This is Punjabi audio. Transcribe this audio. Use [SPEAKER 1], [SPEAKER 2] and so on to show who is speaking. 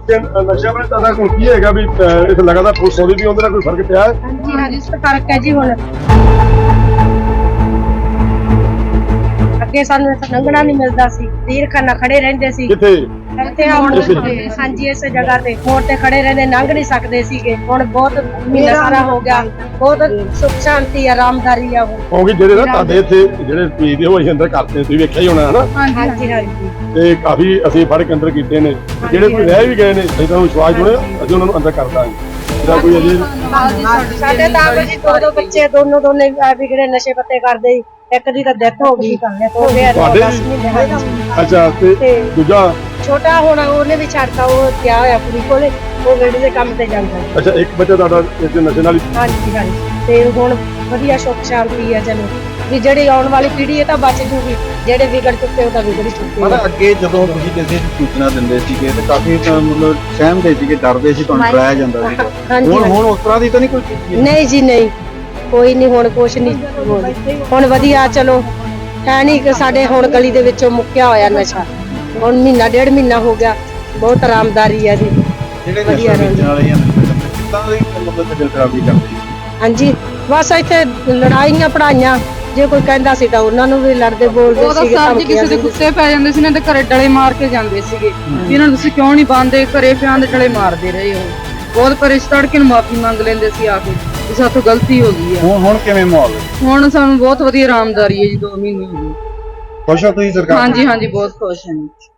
[SPEAKER 1] ਤੇ ਨਸ਼ਾ ਬਣੇ ਤਾਂ ਕੋਈ ਕੀ ਹੈਗਾ ਵੀ ਇਹ ਲਗਾਤਾਰ ਪੁਲਿਸ ਆਉਂਦੀ ਵੀ ਉਹਦੇ ਨਾਲ ਕੋਈ ਫਰਕ ਪਿਆ ਹੈ?
[SPEAKER 2] ਹਾਂਜੀ ਹਾਂਜੀ ਇਸ ਫਰਕ ਹੈ ਜੀ। ਹੁਣ ਅੱਗੇ ਸਾਨੂੰ ਇੱਥੇ ਲੰਘਣਾ ਨਹੀਂ ਮਿਲਦਾ ਸੀ, ਤੀਰਖਾਨਾ ਖੜੇ ਰਹਿੰਦੇ ਸੀ
[SPEAKER 1] ਕਿੱਥੇ?
[SPEAKER 2] ਇੱਥੇ ਹੁਣ ਹਾਂਜੀ ਇਸ ਜਗ੍ਹਾ ਤੇ ਮੋੜ ਤੇ ਖੜੇ ਰਹਿੰਦੇ, ਲੰਘ ਨਹੀਂ ਸਕਦੇ ਸੀਗੇ। ਹੁਣ ਬਹੁਤ ਮਹੀਨਾ ਸਾਰਾ ਹੋ ਗਿਆ, ਬਹੁਤ ਸੁੱਖ ਸ਼ਾਂਤੀ ਆਰਾਮਦਾਰੀ ਆ ਹੁਣ।
[SPEAKER 1] ਕਿਉਂਕਿ ਜਿਹੜੇ ਨਾ ਤੁਹਾਡੇ ਇੱਥੇ ਜਿਹੜੇ ਪੀਦੇ ਹੋ ਅਸੀਂ ਅੰਦਰ ਕਰਦੇ ਤੁਸੀਂ ਵੇਖਿਆ ਹੀ ਹੋਣਾ ਹਨਾ,
[SPEAKER 2] ਹਾਂਜੀ ਹਾਂਜੀ
[SPEAKER 1] ਤੇ ਕਾਫੀ ਅਸੀਂ ਫੜ ਕੇ ਅੰਦਰ ਕੀਤੇ ਨੇ। ਜਿਹੜੇ ਕੋਈ ਰਹਿ ਵੀ ਗਏ ਨੇ ਅਸੀਂ ਤੁਹਾਨੂੰ ਵਿਸ਼ਵਾਸ ਜੁੜਿਆ ਅਸੀਂ ਉਹਨਾਂ ਨੂੰ ਅੰਦਰ ਕਰ ਦਾਂਗੇ। ਜਿਹੜਾ ਕੋਈ ਅਜੇ
[SPEAKER 2] ਸਾਡੇ ਤਾਂ ਜੀ ਦੋ ਬੱਚੇ ਦੋਨੇ ਵਿਗੜੇ ਨਸ਼ੇ ਪੱਤੇ ਕਰਦੇ ਸੀ। ਇੱਕ ਦੀ ਤਾਂ ਡੈਥ ਹੋ ਗਈ, ਹੋ ਗਿਆ 10 ਮਹੀਨੇ।
[SPEAKER 1] ਅੱਛਾ ਤੇ ਦੂਜਾ
[SPEAKER 2] ਛੋਟਾ ਹੁਣ ਉਹਨੇ ਵੀ ਛੱਡਤਾ, ਉਹ ਗਿਆ ਹੋਇਆ ਕੁੜੀ ਕੋਲੇ, ਉਹ ਵੇੜੇ ਦੇ ਕੰਮ ਤੇ ਜਾਂਦਾ।
[SPEAKER 1] ਅੱਛਾ ਇੱਕ ਬੱਚਾ ਤੁਹਾਡਾ ਇਸ ਨਸ਼ੇ ਨਾਲ ਹੀ?
[SPEAKER 2] ਹਾਂਜੀ ਹਾਂਜੀ ਤੇ ਹੁਣ ਵਧੀਆ ਸੁੱਖ ਸ਼ਾਂਤੀ ਆ। ਚਲੋ ਵੀ ਜਿਹੜੀ ਆਉਣ ਵਾਲੀ ਪੀੜ੍ਹੀ ਇਹ ਤਾਂ ਬਚ ਜੂਗੀ, ਜਿਹੜੇ ਵਿਗੜ ਚੁੱਕੇ ਉਹ ਤਾਂ ਵਿਗੜ ਚੁੱਕੇ।
[SPEAKER 3] ਮਤਲਬ ਅੱਗੇ ਜਦੋਂ ਤੁਸੀਂ ਕਿਸੇ ਨੂੰ ਸੂਚਨਾ ਦਿੰਦੇ ਸੀਗੇ ਤੇ ਕਾਫੀ ਮਤਲਬ ਸਹਿਮਦੇ ਸੀਗੇ, ਡਰਦੇ ਸੀ, ਤੁਹਾਨੂੰ ਡਰਾਇਆ ਜਾਂਦਾ ਸੀਗਾ। ਹੁਣ ਉਸ ਤਰ੍ਹਾਂ ਦੀ ਤਾਂ ਨਹੀਂ ਕੋਈ ਚੀਜ਼?
[SPEAKER 2] ਨਹੀਂ ਜੀ ਨਹੀਂ, ਕੋਈ ਨਹੀਂ, ਹੁਣ ਕੁਛ ਨਹੀਂ। ਹੁਣ ਵਧੀਆ ਚਲੋ ਹੈ ਨਹੀਂ ਕਿ ਸਾਡੇ ਹੁਣ ਗਲੀ ਦੇ ਵਿੱਚੋਂ ਮੁੱਕਿਆ ਹੋਇਆ ਨਸ਼ਾ। ਹੁਣ ਮਹੀਨਾ ਡੇਢ ਮਹੀਨਾ ਹੋ ਗਿਆ, ਬਹੁਤ ਆਰਾਮਦਾਰੀ ਆ ਜੀ।
[SPEAKER 3] ਜਿਹੜੇ ਨਸ਼ਾ ਵੇਚਣ ਵਾਲੇ ਜਾਂ ਕਿੱਦਾਂ ਦੀ ਮਤਲਬ ਦਿਲ ਖਰਾਬੀ ਕਰਦੇ?
[SPEAKER 2] ਹਾਂਜੀ ਬਸ ਇੱਥੇ ਲੜਾਈਆਂ ਪੜਾਈਆਂ, ਜੇ ਕੋਈ ਕਹਿੰਦਾ ਸੀ ਤਾਂ ਉਹਨਾਂ ਨੂੰ ਵੀ ਲੜਦੇ ਬੋਲਦੇ
[SPEAKER 4] ਉਹਦਾ
[SPEAKER 2] ਸੀਗੇ।
[SPEAKER 4] ਸਰ ਜੀ ਕਿਸੇ ਦੇ ਕੁੱਤੇ ਪੈ ਜਾਂਦੇ ਸੀ ਨਾ ਤੇ ਘਰੇ ਡਲੇ ਮਾਰ ਕੇ ਜਾਂਦੇ ਸੀਗੇ ਵੀ ਇਹਨਾਂ ਨੂੰ ਤੁਸੀਂ ਕਿਉਂ ਨਹੀਂ ਬੰਦੇ, ਘਰੇ ਪਿਆਂ ਦੇ ਡਲੇ ਮਾਰਦੇ ਰਹੇ ਹੋ। ਬਹੁਤ ਪਰੇ ਤੜਕੇ ਨੂੰ ਮਾਫੀ ਮੰਗ ਲੈਂਦੇ ਸੀ ਆ ਕੇ ਵੀ ਸਾਥੋਂ ਗਲਤੀ ਹੋ ਗਈ ਆ।
[SPEAKER 3] ਹੁਣ ਕਿਵੇਂ ਮਾਹੌਲ ਹੈ?
[SPEAKER 4] ਹੁਣ ਸਾਨੂੰ ਬਹੁਤ ਵਧੀਆ ਆਰਾਮਦਾਰੀ ਹੈ ਜੀ, 2 ਮਹੀਨੇ ਹੋ ਗਏ।
[SPEAKER 3] ਖੁਸ਼ ਹੋ ਤੁਸੀਂ ਸਰਕਾਰ?
[SPEAKER 4] ਹਾਂਜੀ ਹਾਂਜੀ ਬਹੁਤ ਖੁਸ਼ ਹਾਂ ਜੀ।